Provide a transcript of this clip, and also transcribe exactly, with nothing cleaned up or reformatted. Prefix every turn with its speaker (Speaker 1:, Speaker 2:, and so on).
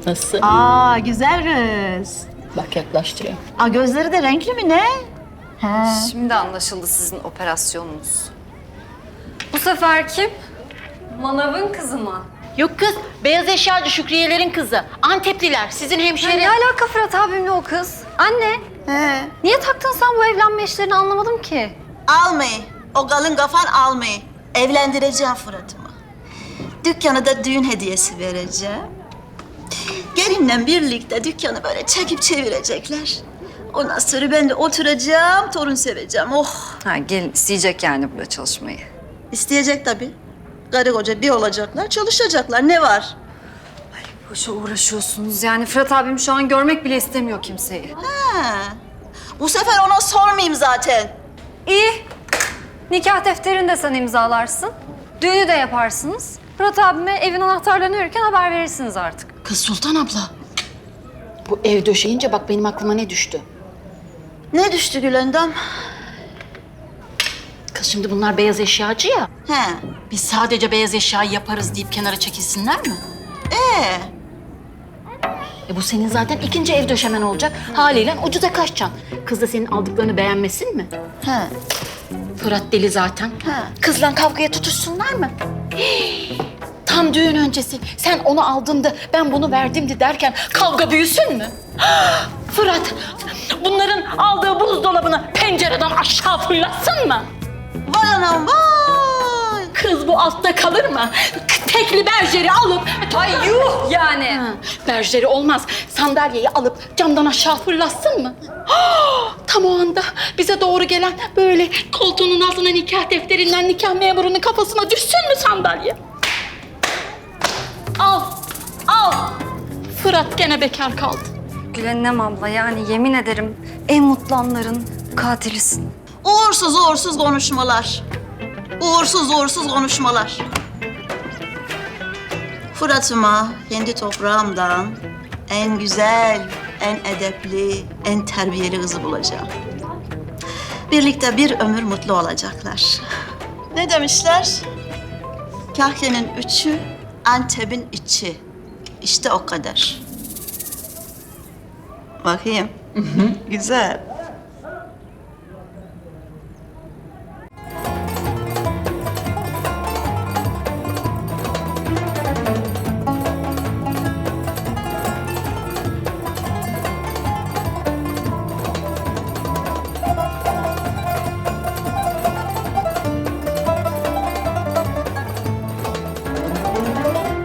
Speaker 1: Nasıl?
Speaker 2: Aa güzel kız.
Speaker 1: Bak yaklaştırıyor.
Speaker 2: Aa gözleri de renkli mi ne? He.
Speaker 3: Şimdi anlaşıldı sizin operasyonunuz. Bu sefer kim? Manav'ın kızı mı?
Speaker 1: Yok kız, beyaz eşyacı Şükriyelerin kızı. Antepliler, sizin
Speaker 3: Ya
Speaker 1: hemşire.
Speaker 3: ne alaka Fırat abimle o kız? Anne,
Speaker 2: He.
Speaker 3: niye taktın sen bu evlenme işlerini anlamadım ki.
Speaker 2: Almayı. O kalın kafan almayı. Evlendireceğim Fırat'ımı. Dükkana da düğün hediyesi vereceğim. Gelinle birlikte dükkanı böyle çekip çevirecekler. Ondan sonra ben de oturacağım, torun seveceğim. Oh!
Speaker 3: Ha gelin isteyecek yani burada çalışmayı.
Speaker 2: İsteyecek tabii. Karı koca bir olacaklar, çalışacaklar. Ne var?
Speaker 3: Boşa uğraşıyorsunuz yani Fırat abim şu an görmek bile istemiyor kimseyi.
Speaker 2: Ha. Bu sefer ona sormayayım zaten.
Speaker 3: İyi. Nikah defterini de sen imzalarsın. Düğünü de yaparsınız. Fırat abime evin anahtarlarını verirken haber verirsiniz artık.
Speaker 1: Kız Sultan abla. Bu ev döşeyince bak benim aklıma ne düştü.
Speaker 2: Ne düştü Gülendam?
Speaker 1: Kız şimdi bunlar beyaz eşyacı ya.
Speaker 2: He.
Speaker 1: Biz sadece beyaz eşyayı yaparız deyip kenara çekilsinler mi?
Speaker 2: Ee,
Speaker 1: E bu senin zaten ikinci ev döşemen olacak. Haliyle ucuza kaçacaksın. Kız da senin aldıklarını beğenmesin mi?
Speaker 2: he.
Speaker 1: Fırat deli zaten.
Speaker 2: Ha.
Speaker 1: Kızla kavgaya tutuşsunlar mı? Hii! Tam düğün öncesi sen onu aldın da ben bunu verdimdi derken kavga büyüsün mü? Fırat bunların aldığı buzdolabını pencereden aşağı fırlatsın mı?
Speaker 2: Vay anam vay!
Speaker 1: Kız bu altta kalır mı? Tekli berjeri alıp...
Speaker 3: Ay yuh yani.
Speaker 1: Ha, berjeri olmaz. Sandalyeyi alıp camdan aşağı fırlatsın mı? Tam o anda bize doğru gelen böyle koltuğunun altına nikah defterinden nikah memurunun kafasına düşsün mü sandalye? Al, al. Fırat gene bekar kaldı.
Speaker 3: Gülenem abla yani yemin ederim en mutlu anların katilisin.
Speaker 2: Uğursuz uğursuz konuşmalar. Uğursuz uğursuz konuşmalar. Fırat'ıma kendi toprağımdan en güzel, en edepli, en terbiyeli kızı bulacağım. Birlikte bir ömür mutlu olacaklar. Ne demişler? Kahvenin üçü, Antep'in içi. İşte o kadar. Bakayım. Güzel.